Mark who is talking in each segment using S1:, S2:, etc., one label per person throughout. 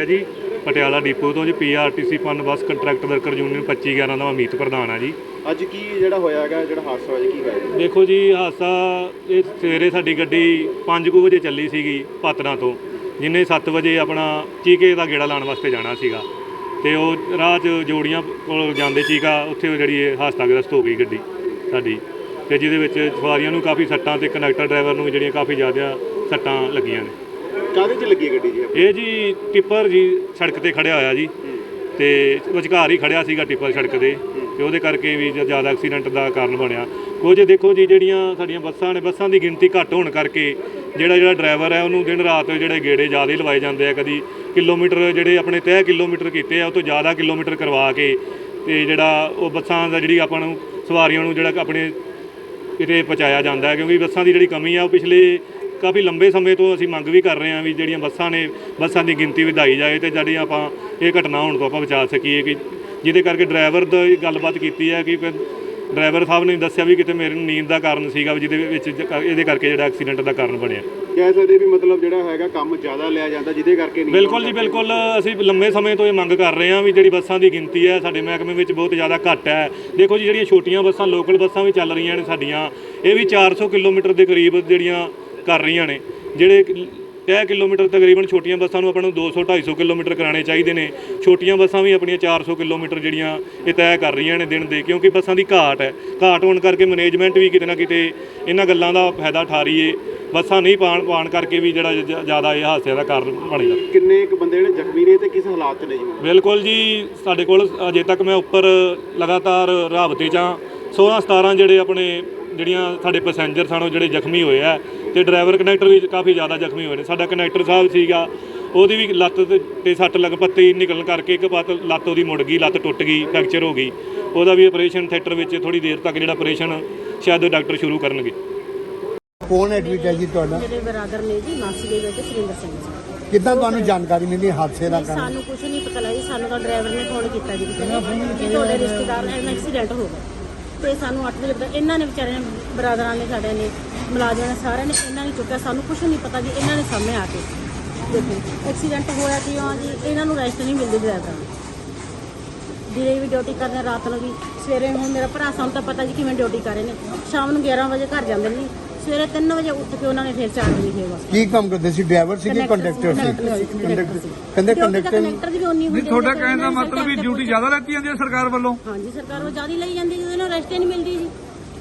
S1: ਹੈਗਾ ਜੀ ਪਟਿਆਲਾ ਡਿਪੂ ਤੋਂ ਜੀ PRTC PUNBUS contract worker union 25/11 ਦਾ ਅਮੀਤ ਪ੍ਰਧਾਨ ਆ ਜੀ।
S2: ਅੱਜ ਕੀ ਜਿਹੜਾ ਹੋਇਆ ਹੈਗਾ, ਜਿਹੜਾ ਹਾਦਸਾ ਹੋਇਆ ਕੀ ਹੋਇਆ?
S1: ਦੇਖੋ ਜੀ ਹਾਦਸਾ ਇਹ ਸਵੇਰੇ ਸਾਡੀ ਗੱਡੀ 5 ਵਜੇ ਚੱਲੀ ਸੀਗੀ ਪਾਤੜਾਂ ਤੋਂ, ਜਿਹਨੇ 7 ਵਜੇ ਆਪਣਾ ਚੀਕੇ ਦਾ ਗੇੜਾ ਲਾਉਣ ਵਾਸਤੇ ਜਾਣਾ ਸੀਗਾ ਤੇ ਉਹ ਰਾਹ 'ਚ ਜੋੜੀਆਂ ਕੋਲ ਜਾਂਦੇ ਚੀਕਾ ਉੱਥੇ ਜਿਹੜੀ ਇਹ ਹਾਦਸਾਗ੍ਰਸਤ ਹੋ ਗਈ ਗੱਡੀ ਸਾਡੀ, ਤੇ ਜਿਹਦੇ ਵਿੱਚ ਸਵਾਰੀਆਂ ਨੂੰ ਕਾਫੀ ਸੱਟਾਂ ਤੇ ਕੰਡਕਟਰ ਡਰਾਈਵਰ ਨੂੰ ਜਿਹੜੀਆਂ ਕਾਫੀ ਜ਼ਿਆਦਾ ਸੱਟਾਂ ਲੱਗੀਆਂ ਨੇ।
S2: ਕਾਹਦੇ 'ਚ ਲੱਗੀ ਗੱਡੀ ਜੀ?
S1: ਇਹ ਜੀ ਟਿੱਪਰ ਜੀ ਸੜਕ ਤੇ ਖੜਿਆ ਹੋਇਆ ਜੀ ਤੇ ਵਿਚਕਾਰ ਹੀ ਖੜਿਆ ਸੀਗਾ ਟਿੱਪਰ ਸੜਕ ਦੇ, ਤੇ ਉਹਦੇ ਕਰਕੇ ਵੀ ਜ਼ਿਆਦਾ ਐਕਸੀਡੈਂਟ ਦਾ ਕਾਰਨ ਬਣਿਆ। ਕੁਝ ਦੇਖੋ ਜੀ ਜਿਹੜੀਆਂ ਸਾਡੀਆਂ ਬੱਸਾਂ ਨੇ, ਬੱਸਾਂ ਦੀ ਗਿਣਤੀ ਘੱਟ ਹੋਣ ਕਰਕੇ ਜਿਹੜਾ ਡਰਾਈਵਰ ਹੈ ਉਹਨੂੰ ਦਿਨ ਰਾਤ ਜਿਹੜੇ ਗੇੜੇ ਜ਼ਿਆਦਾ ਲਵਾਏ ਜਾਂਦੇ ਆ। ਕਦੀ ਕਿਲੋਮੀਟਰ ਜਿਹੜੇ ਆਪਣੇ ਤੈਅ ਕਿਲੋਮੀਟਰ ਕੀਤੇ ਆ ਉਹ ਤੋਂ ਜ਼ਿਆਦਾ ਕਿਲੋਮੀਟਰ ਕਰਵਾ ਕੇ ਤੇ ਜਿਹੜਾ ਉਹ ਬੱਸਾਂ ਦਾ ਜਿਹੜੀ ਆਪਾਂ ਨੂੰ ਸਵਾਰੀਆਂ ਨੂੰ ਜਿਹੜਾ ਆਪਣੇ ਕਿਤੇ ਪਹੁੰਚਾਇਆ ਜਾਂਦਾ ਹੈ, ਕਿਉਂਕਿ ਬੱਸਾਂ ਦੀ ਜਿਹੜੀ ਕਮੀ ਆ ਉਹ ਪਿਛਲੇ ਕਾਫੀ ਲੰਬੇ ਸਮੇਂ ਤੋਂ ਅਸੀਂ ਮੰਗ ਵੀ ਕਰ ਰਹੇ ਹਾਂ ਵੀ ਜਿਹੜੀਆਂ ਬੱਸਾਂ ਨੇ ਬੱਸਾਂ ਦੀ ਗਿਣਤੀ ਵਧਾਈ ਜਾਏ ਤੇ ਜਿਹੜੀਆਂ ਆਪਾਂ ਇਹ ਘਟਨਾ ਹੋਣ ਤੋਂ ਆਪਾਂ ਬਚਾ ਸਕੀਏ। ਕਿ ਜਿਹਦੇ ਕਰਕੇ ਡਰਾਈਵਰ ਦੀ ਗੱਲਬਾਤ ਕੀਤੀ ਹੈ ਕਿ ਡਰਾਈਵਰ ਸਾਹਿਬ ਨੇ ਦੱਸਿਆ ਵੀ ਕਿਤੇ ਮੇਰੀ ਨੀਂਦ ਦਾ ਕਾਰਨ ਸੀਗਾ ਜਿਹਦੇ ਵਿੱਚ ਇਹਦੇ ਕਰਕੇ ਜਿਹੜਾ ਐਕਸੀਡੈਂਟ ਦਾ ਕਾਰਨ ਬਣਿਆ।
S2: ਕਹਿ ਸਕਦੇ ਵੀ ਮਤਲਬ ਜਿਹੜਾ ਹੈਗਾ ਕੰਮ ਜ਼ਿਆਦਾ ਲਿਆ ਜਾਂਦਾ ਜਿਹਦੇ ਕਰਕੇ ਨਹੀਂ?
S1: ਬਿਲਕੁਲ ਜੀ ਬਿਲਕੁਲ, ਅਸੀਂ ਲੰਮੇ ਸਮੇਂ ਤੋਂ ਇਹ ਮੰਗ ਕਰ ਰਹੇ ਹਾਂ ਵੀ ਜਿਹੜੀ ਬੱਸਾਂ ਦੀ ਗਿਣਤੀ ਹੈ ਸਾਡੇ ਮਹਿਕਮੇ ਵਿੱਚ ਬਹੁਤ ਜ਼ਿਆਦਾ ਘੱਟ ਹੈ। ਦੇਖੋ ਜੀ ਜਿਹੜੀਆਂ ਛੋਟੀਆਂ ਬੱਸਾਂ ਲੋਕਲ ਬੱਸਾਂ ਵੀ ਚੱਲ ਰਹੀਆਂ ਨੇ ਸਾਡੀਆਂ, ਇਹ ਵੀ 400 ਕਿਲੋਮੀਟਰ ਦੇ ਕਰੀਬ ਜਿਹੜੀਆਂ ਕਰ ਰਹੀਆਂ ਨੇ। ਜਿਹੜੇ ਤੈਅ ਕਿਲੋਮੀਟਰ ਤਕਰੀਬਨ ਛੋਟੀਆਂ ਬੱਸਾਂ ਨੂੰ ਆਪਾਂ ਨੂੰ 200-250 ਕਿਲੋਮੀਟਰ ਕਰਾਉਣੇ ਚਾਹੀਦੇ ਨੇ, ਛੋਟੀਆਂ ਬੱਸਾਂ ਵੀ ਆਪਣੀਆਂ 400 ਕਿਲੋਮੀਟਰ ਜਿਹੜੀਆਂ ਇਹ ਤੈਅ ਕਰ ਰਹੀਆਂ ਨੇ ਦਿਨ ਦੇ, ਕਿਉਂਕਿ ਬੱਸਾਂ ਦੀ ਘਾਟ ਹੈ। ਘਾਟ ਹੋਣ ਕਰਕੇ ਮੈਨੇਜਮੈਂਟ ਵੀ ਕਿਤੇ ਨਾ ਕਿਤੇ ਇਹਨਾਂ ਗੱਲਾਂ ਦਾ ਫਾਇਦਾ ਉਠਾ ਰਹੀ ਹੈ। ਬੱਸਾਂ ਨਹੀਂ ਪਾਉਣ ਕਰਕੇ ਵੀ ਜਿਹੜਾ ਜ਼ਿਆਦਾ ਇਹ ਹਾਦਸਿਆਂ ਦਾ ਕਾਰਨ ਬਣ ਜਾਂਦਾ।
S2: ਕਿੰਨੇ ਕੁ ਬੰਦੇ ਜਿਹੜੇ ਜ਼ਖਮੀ ਨੇ ਤੇ ਕਿਸ ਹਾਲਾਤ 'ਚ ਨੇ ਜੀ?
S1: ਬਿਲਕੁਲ ਜੀ ਸਾਡੇ ਕੋਲ ਅਜੇ ਤੱਕ ਮੈਂ ਉੱਪਰ ਲਗਾਤਾਰ ਰਾਬਤੇ 'ਚ 16-17 ਜਿਹੜੇ ਆਪਣੇ ਜਿਹੜੀਆਂ ਸਾਡੇ ਪੈਸੇਂਜਰ ਸਨ ਉਹ ਜਿਹੜੇ ਜ਼ਖਮੀ ਹੋਏ ਆ, ਤੇ ਡਰਾਈਵਰ ਕੰਡਕਟਰ ਵੀ ਕਾਫੀ ਜ਼ਿਆਦਾ ਜ਼ਖਮੀ ਹੋਏ ਨੇ। ਸਾਡਾ ਕੰਡਕਟਰ ਸਾਹਿਬ ਸੀਗਾ, ਉਹਦੀ ਵੀ ਲੱਤ ਤੇ ਸੱਟ ਲੱਗ ਪੱਤੀ ਨਿਕਲਣ ਕਰਕੇ ਇੱਕ ਪਾਤ ਲੱਤ ਉਹਦੀ ਮੁੜ ਗਈ, ਲੱਤ ਟੁੱਟ ਗਈ, ਫ੍ਰੈਕਚਰ ਹੋ ਗਈ। ਉਹਦਾ ਵੀ ਆਪਰੇਸ਼ਨ ਥੀਏਟਰ ਵਿੱਚ ਥੋੜ੍ਹੀ ਦੇਰ ਤੱਕ ਜਿਹੜਾ ਆਪਰੇਸ਼ਨ ਸ਼ਾਇਦ ਡਾਕਟਰ ਸ਼ੁਰੂ ਕਰਨਗੇ।
S3: ਕੌਣ ਐਡਮਿਟ ਹੈ ਜੀ ਤੁਹਾਡਾ?
S4: ਮੇਰੇ ਬਰਾਦਰ ਨੇ ਜੀ, ਮਾਸੀ ਦੇ ਬੇਟੇ ਸੁਰਿੰਦਰ ਸਿੰਘ ਜੀ।
S3: ਕਿੱਦਾਂ ਤੁਹਾਨੂੰ ਜਾਣਕਾਰੀ ਮਿਲੀ ਹਾਦਸੇ ਦਾ ਕਾਰਨ?
S4: ਸਾਨੂੰ ਕੁਝ ਨਹੀਂ ਪਤਾ ਲੱਗਾ ਜੀ, ਸਾਨੂੰ ਤਾਂ ਡਰਾਈਵਰ ਨੇ ਫੋਨ ਕੀਤਾ ਜੀ ਕਿਸੇ ਨੇ ਕਿ ਤੁਹਾਡੇ ਰਿਸ਼ਤੇਦਾਰ ਨਾਲ ਐਕਸੀਡੈਂਟ ਹੋ ਗਿਆ, ਤੇ ਸਾਨੂੰ 8 ਵਜੇ ਪਤਾ। ਇਹਨਾਂ ਨੇ ਵਿਚਾਰਿਆਂ ਨੇ, ਬਰਾਦਰਾਂ ਨੇ, ਸਾਡੇ ਨੇ, ਮੁਲਾਜ਼ਮਾਂ ਨੇ, ਸਾਰਿਆਂ ਨੇ ਇਹਨਾਂ ਨੇ ਚੁੱਕਿਆ। ਸਾਨੂੰ ਕੁਝ ਨਹੀਂ ਪਤਾ ਜੀ, ਇਹਨਾਂ ਨੇ ਸਾਹਮਣੇ ਆ ਕੇ ਦੇਖੋ ਐਕਸੀਡੈਂਟ ਹੋਇਆ ਕਿਉਂ ਜੀ। ਇਹਨਾਂ ਨੂੰ ਰੈਸਟ ਨਹੀਂ ਮਿਲਦੀ ਡਰਾਈਵਰਾਂ ਨੂੰ, ਦਿਨੇ ਵੀ ਡਿਊਟੀ ਕਰਦੇ, ਰਾਤ ਨੂੰ ਵੀ। ਸਵੇਰੇ ਹੁਣ ਮੇਰਾ ਭਰਾ, ਸਾਨੂੰ ਤਾਂ ਪਤਾ ਜੀ ਕਿਵੇਂ ਡਿਊਟੀ ਕਰ ਰਹੇ ਨੇ, ਸ਼ਾਮ ਨੂੰ 11 ਵਜੇ ਘਰ ਜਾਂਦੇ ਨੇ, ਸਵੇਰੇ 3 ਵਜੇ ਉੱਠ ਕੇ ਉਹਨਾਂ ਨੇ ਫਿਰ 4 ਵਜੇ ਫੇਰ ਬਸ।
S3: ਕੀ ਕੰਮ ਕਰਦੇ ਸੀ? ਡਰਾਈਵਰ ਸੀ ਕਿ ਕੰਡਕਟਰ ਸੀ? ਕਹਿੰਦੇ ਕੰਡਕਟਰ
S4: ਦੀ ਵੀ ਉਨੀ ਹੁੰਦੀ।
S5: ਤੁਹਾਡਾ ਕਹਿਣ ਦਾ ਮਤਲਬ ਵੀ ਡਿਊਟੀ ਜ਼ਿਆਦਾ ਲੈਤੀ ਜਾਂਦੀ ਹੈ ਸਰਕਾਰ ਵੱਲੋਂ?
S4: ਹਾਂਜੀ, ਸਰਕਾਰ ਉਹ ਜ਼ਿਆਦਾ ਲਈ ਜਾਂਦੀ, ਜਿਹਦੇ ਨਾਲ ਰੈਸਟ ਹੀ ਨਹੀਂ ਮਿਲਦੀ ਜੀ।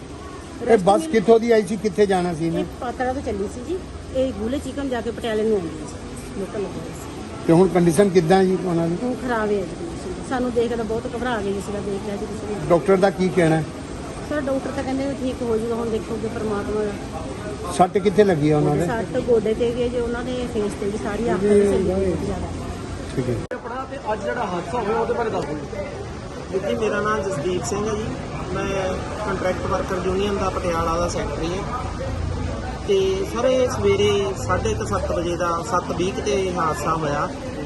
S3: ਇਹ ਬੱਸ ਕਿੱਥੋਂ ਦੀ ਆਈ ਸੀ, ਕਿੱਥੇ ਜਾਣਾ ਸੀ ਇਹਨੇ?
S4: ਪਾਤੜਾ ਤੋਂ ਚੱਲੀ ਸੀ ਜੀ, ਇਹ ਗੂਲੇ ਚਿਕਨ ਜਾ ਕੇ ਪਟਿਆਲੇ ਨੂੰ ਆਉਂਦੀ ਸੀ, ਲੋਕਲ ਲੱਗਾ ਸੀ।
S3: ਤੇ ਹੁਣ ਕੰਡੀਸ਼ਨ ਕਿੱਦਾਂ ਜੀ ਉਹਨਾਂ ਦੀ?
S4: ਉਹ ਖਰਾਬ ਹੈ ਜੀ condition। ਸਾਨੂੰ ਦੇਖ ਕੇ ਤਾਂ ਬਹੁਤ ਘਬਰਾ ਗਏ ਜੀ, ਸੀਗਾ ਦੇਖ ਲਿਆ ਜੀ ਤੁਸੀਂ।
S3: ਡਾਕਟਰ ਦਾ ਕੀ ਕਹਿਣਾ?
S4: ਸਰ ਡਾਕਟਰ ਤਾਂ ਕਹਿੰਦੇ ਵੀ ਠੀਕ ਹੋ ਜੂਗਾ, ਹੁਣ ਦੇਖੋਗੇ ਪਰਮਾਤਮਾ ਦਾ।
S3: ਸੱਟ ਕਿੱਥੇ ਲੱਗੀ ਆ ਉਹਨਾਂ ਦੇ?
S4: ਸੱਟ ਗੋਡੇ ਤੇ ਗਏ ਜੀ, ਉਹਨਾਂ ਦੇ ਫੇਸ ਤੇ ਵੀ ਸਾਰੀ ਅੱਖ ਤੇ ਸੱਲੀ ਬਹੁਤ ਜ਼ਿਆਦਾ।
S3: ਠੀਕ ਹੈ।
S2: ਤੇ ਅੱਜ ਜਿਹੜਾ ਹਾਦਸਾ ਹੋਇਆ ਉਹਦੇ ਬਾਰੇ ਦੱਸੋ
S6: ਜੀ। ਮੇਰਾ ਨਾਮ ਜਸਦੀਪ ਸਿੰਘ ਹੈ ਜੀ, ਮੈਂ ਕੰਟਰੈਕਟ ਵਰਕਰ ਯੂਨੀਅਨ ਦਾ ਪਟਿਆਲਾ ਦਾ ਸੈਕਟਰੀ ਹਾਂ। ਤੇ ਸਰ ਇਹ ਸਵੇਰੇ 7:30 ਵਜੇ ਦਾ 7:20 ਤੇ ਹਾਦਸਾ ਹੋਇਆ।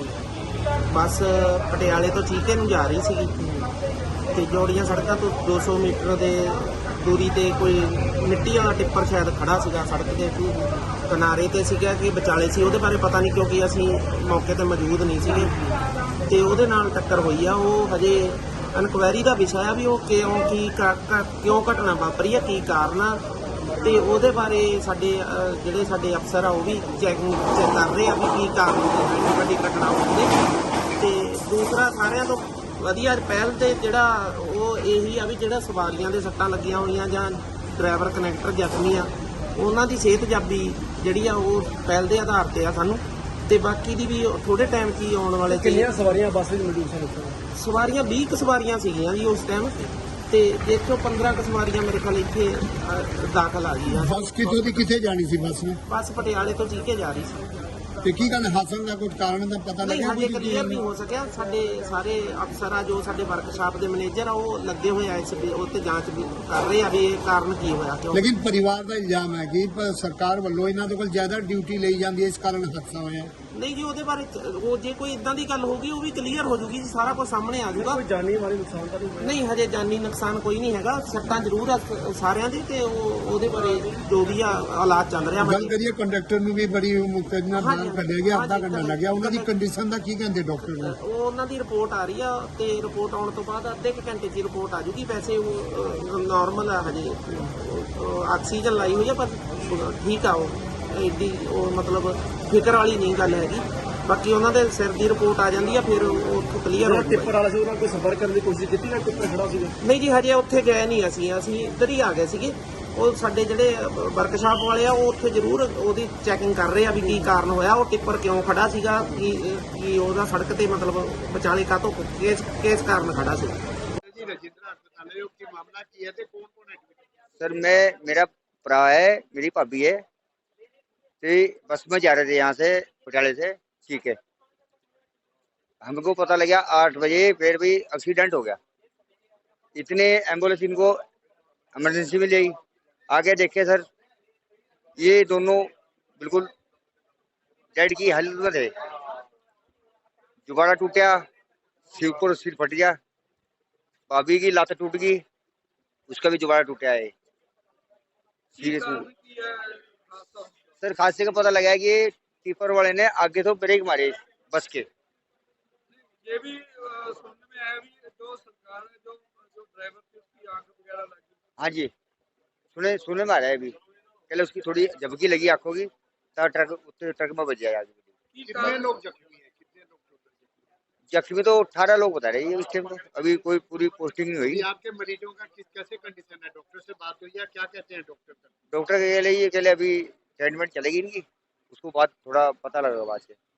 S6: ਬੱਸ ਪਟਿਆਲੇ ਤੋਂ ਚੀਕੇ ਨੂੰ ਜਾ ਰਹੀ ਸੀਗੀ ਤੇ ਜੋੜੀਆਂ ਸੜਕਾਂ ਤੋਂ 200 ਮੀਟਰ ਦੇ ਦੂਰੀ ਤੇ ਕੋਈ ਮਿੱਟੀ ਵਾਲਾ ਟਿੱਪਰ ਸ਼ਾਇਦ ਖੜਾ ਸੀਗਾ ਸੜਕ ਦੇ ਕਿਨਾਰੇ ਤੇ ਸੀਗਾ ਕਿ ਵਿਚਾਲੇ ਸੀ, ਉਹਦੇ ਬਾਰੇ ਪਤਾ ਨਹੀਂ ਕਿਉਂਕਿ ਅਸੀਂ ਮੌਕੇ ਤੇ ਮੌਜੂਦ ਨਹੀਂ ਸੀਗੇ। ਤੇ ਉਹਦੇ ਨਾਲ ਟੱਕਰ ਹੋਈ ਆ। ਉਹ ਹਜੇ ਇਨਕੁਆਇਰੀ ਦਾ ਵਿਸ਼ਾ ਆ ਵੀ ਉਹ ਕਿਉਂ ਘਟਨਾ ਵਾਪਰੀ ਆ, ਕੀ ਕਾਰਨ ਆ, ਤੇ ਉਹਦੇ ਬਾਰੇ ਜਿਹੜੇ ਸਾਡੇ ਅਫਸਰ ਆ ਉਹ ਵੀ ਚੈੱਕ ਕਰ ਰਹੇ ਆ ਵੀ ਕੀ ਕਾਰਨ ਹੈ ਵੱਡੀ ਘਟਨਾ ਹੋਣ ਦੇ। ਤੇ ਦੂਸਰਾ ਸਾਰਿਆਂ ਤੋਂ ਵਧੀਆ ਪਹਿਲ ਤੇ ਜਿਹੜਾ ਉਹ ਇਹੀ ਆ ਵੀ ਜਿਹੜਾ ਸਵਾਰੀਆਂ ਦੇ ਸੱਟਾਂ ਲੱਗੀਆਂ ਹੋਈਆਂ ਜਾਂ ਡਰਾਈਵਰ ਕਨੈਕਟਰ ਜ਼ਖਮੀ ਆ, ਉਹਨਾਂ ਦੀ ਸਿਹਤਯਾਬੀ ਜਿਹੜੀ ਆ ਉਹ ਪਹਿਲ ਦੇ ਆਧਾਰ ਤੇ ਆ ਸਾਨੂੰ। ਤੇ ਬਾਕੀ ਦੀ ਵੀ ਥੋੜੇ ਟਾਈਮ 'ਚ ਹੀ ਆਉਣ ਵਾਲੇ।
S2: ਕਿੰਨੀਆਂ ਸਵਾਰੀਆਂ ਬੱਸ ਵਿੱਚ ਮੌਜੂਦ ਸਨ?
S6: ਸਵਾਰੀਆਂ 20 ਕੁ ਸਵਾਰੀਆਂ ਸੀਗੀਆਂ ਜੀ ਉਸ ਟਾਈਮ, ਤੇ ਦੇਖੋ 15 ਕੁ ਸਵਾਰੀਆਂ ਮੇਰੇ ਖਿਆਲ ਇੱਥੇ ਦਾਖਲ ਆ ਗਈਆਂ।
S3: ਬੱਸ ਕਿੱਥੋਂ ਦੀ ਕਿੱਥੇ ਜਾਣੀ ਸੀ ਬੱਸ ਨੇ?
S6: ਬੱਸ ਪਟਿਆਲੇ ਤੋਂ ਚੀਕੇ ਜਾ ਰਹੀ ਸੀ।
S3: ਤੇ ਕੀ ਗੱਲ ਹਾਦਸੇ ਦਾ ਕੋਈ ਕਾਰਨ ਦਾ ਪਤਾ
S6: ਨਹੀਂ,
S3: ਲੱਗਿਆ?
S6: ਹਜੇ ਕਲੀਅਰ ਨਹੀਂ ਹੋ ਸਕਿਆ। ਸਾਡੇ ਸਾਰੇ ਅਫਸਰ ਆ ਜੋ ਸਾਡੇ ਵਰਕਸ਼ਾਪ ਦੇ ਮੈਨੇਜਰ ਆ ਉਹ ਲੱਗੇ ਹੋਏ ਆ ਇਸ ਉਹ ਤੇ ਜਾਂਚ ਵੀ ਕਰ ਰਹੇ ਆ ਵੀ ਇਹ ਕਾਰਨ ਕੀ ਹੋਇਆ ਕਿਉਂ।
S3: ਲੇਕਿਨ ਪਰਿਵਾਰ ਦਾ ਇਲਜ਼ਾਮ ਹੈ ਕਿ ਸਰਕਾਰ ਵੱਲੋਂ ਇਹਨਾਂ ਦੇ ਕੋਲ ਜ਼ਿਆਦਾ ਡਿਊਟੀ ਲਈ ਜਾਂਦੀ ਹੈ, ਇਸ ਕਾਰਨ ਹਾਦਸਾ ਹੋਇਆ।
S6: ਨਹੀਂ ਜੀ ਉਹਦੇ ਬਾਰੇ ਉਹ ਜੇ ਕੋਈ ਇਦਾਂ ਦੀ ਗੱਲ ਹੋਗੀ ਉਹ ਵੀ ਕਲੀਅਰ ਹੋ ਜੂਗੀ ਜੀ, ਸਾਰਾ ਕੁਝ ਸਾਹਮਣੇ ਆ ਜਾਊਗਾ। ਕੋਈ ਜਾਨੀ ਮਾਲੀ ਨੁਕਸਾਨ ਤਾਂ ਨਹੀਂ? ਹਜੇ ਜਾਨੀ ਨੁਕਸਾਨ ਕੋਈ ਨਹੀਂ ਹੈਗਾ, ਸੱਟਾਂ ਜ਼ਰੂਰ ਆ ਸਾਰਿਆਂ ਦੀ, ਤੇ ਉਹਦੇ ਬਾਰੇ ਜੋ ਵੀ ਆ ਹਾਲਾਤ ਚੱਲ ਰਿਹਾ
S3: ਗੱਲ ਕਰੀਏ ਕੰਡਕਟਰ ਨੂੰ ਵੀ ਬੜੀ ਮੁਕਤਜ ਨਾਲ ਬਿਆਨ ਕੱਢਿਆ ਗਿਆ, ਅੱਧਾ ਘੰਟਾ ਲੱਗਿਆ। ਉਹਨਾਂ ਦੀ ਕੰਡੀਸ਼ਨ ਦਾ ਕੀ ਕਹਿੰਦੇ ਡਾਕਟਰ ਨੂੰ?
S6: ਉਹਨਾਂ ਦੀ ਰਿਪੋਰਟ ਆ ਰਹੀ ਆ, ਤੇ ਰਿਪੋਰਟ ਆਉਣ ਤੋਂ ਬਾਅਦ ਅੱਧੇ ਕੁ ਘੰਟੇ 'ਚ ਰਿਪੋਰਟ ਆ ਜੂਗੀ। ਵੈਸੇ ਉਹ ਨਾਰਮਲ ਆ, ਹਜੇ ਆਕਸੀਜਨ ਲਾਈ ਹੋਈ ਆ, ਪਰ ਠੀਕ ਆ। ਉਹ ਏਡੀ ਉਹ ਮਤਲਬ ਫਿਕਰ ਵਾਲੀ ਨਹੀਂ ਗੱਲ ਹੈਗੀ। ਬਾਕੀ ਉਹਨਾਂ ਦੇ ਸਿਰ ਦੀ ਰਿਪੋਰਟ ਆ ਜਾਂਦੀ ਆ, ਫਿਰ ਉਹ ਉੱਥੋਂ ਕਲੀਅਰ ਹੋ
S2: ਟਿੱਪਰ ਵਾਲਾ ਸੀ ਉਹਨਾਂ ਕੋਈ ਸੰਪਰਕ ਕਰਨ ਦੀ ਕੋਸ਼ਿਸ਼ ਕੀਤੀ ਨਾ? ਟਿੱਪਰ ਖੜਾ ਸੀਗਾ?
S6: ਨਹੀਂ ਜੀ, ਹਜੇ ਉੱਥੇ ਗਏ ਨਹੀਂ ਅਸੀਂ ਇੱਧਰ ਹੀ ਆ ਗਏ ਸੀਗੇ। ਉਹ ਸਾਡੇ ਜਿਹੜੇ ਵਰਕਸ਼ਾਪ ਵਾਲੇ ਆ ਉਹ ਉੱਥੇ ਜ਼ਰੂਰ ਉਹਦੀ ਚੈਕਿੰਗ ਕਰ ਰਹੇ ਆ ਵੀ ਕੀ ਕਾਰਨ ਹੋਇਆ, ਉਹ ਟਿੱਪਰ ਕਿਉਂ ਖੜਾ ਸੀਗਾ, ਕੀ ਉਹਦਾ ਸੜਕ ਤੇ ਮਤਲਬ ਵਿਚਾਲੇ ਕਾਹਤੋਂ ਕਿਸ ਕਾਰਨ ਖੜਾ ਸੀ।
S2: ਜੀ ਰਜਿੰਦਰਾ ਹਸਪਤਾਲ है, की मामला की है ते कौन-कौन है?
S7: सर मेरा भरा है, मेरी भाभी है, तो बस में जा रहे थे यहाँ से पटियाले से। ठीक है, हमको पता लगा 8 बजे, फिर भी एक्सीडेंट हो गया। इतने एम्बुलेंस इनको इमरजेंसी में ले आई। आगे देखे सर, ये दोनों बिल्कुल डेड की हालत में थे। जुबाड़ा टूटा, सिर फट गया, भाभी की लात टूट गई, उसका भी जुबाड़ा टूटा है। सीरियसली सर हादसे का पता लगा है कि टिप्पर वाले ने आगे तो ब्रेक मारे बस के।
S5: ये भी सुनने में आया भी जो सरकार ने जो ड्राइवर थी उसकी आंख वगैरह लगी।
S7: हाँ जी, सुने में आ रहा है अभी, पहले उसकी थोड़ी झपकी लगी आंखों की, तब ट्रक में बच जाए आगे।
S2: कितने लोग जख्मी है? कितने लोग
S7: जख्मी तो 18 लोग बता रहे हैं इस टाइम। अभी कोई पूरी पोस्टिंग नहीं हुई।
S2: आपके मरीजों का कैसे कंडीशन है? डॉक्टर से बात हुई है? क्या कहते हैं डॉक्टर का?
S7: डॉक्टर के लिए अभी ट्रीटमेंट चलेगी इनकी, उसको बाद थोड़ा पता लगेगा बाद से।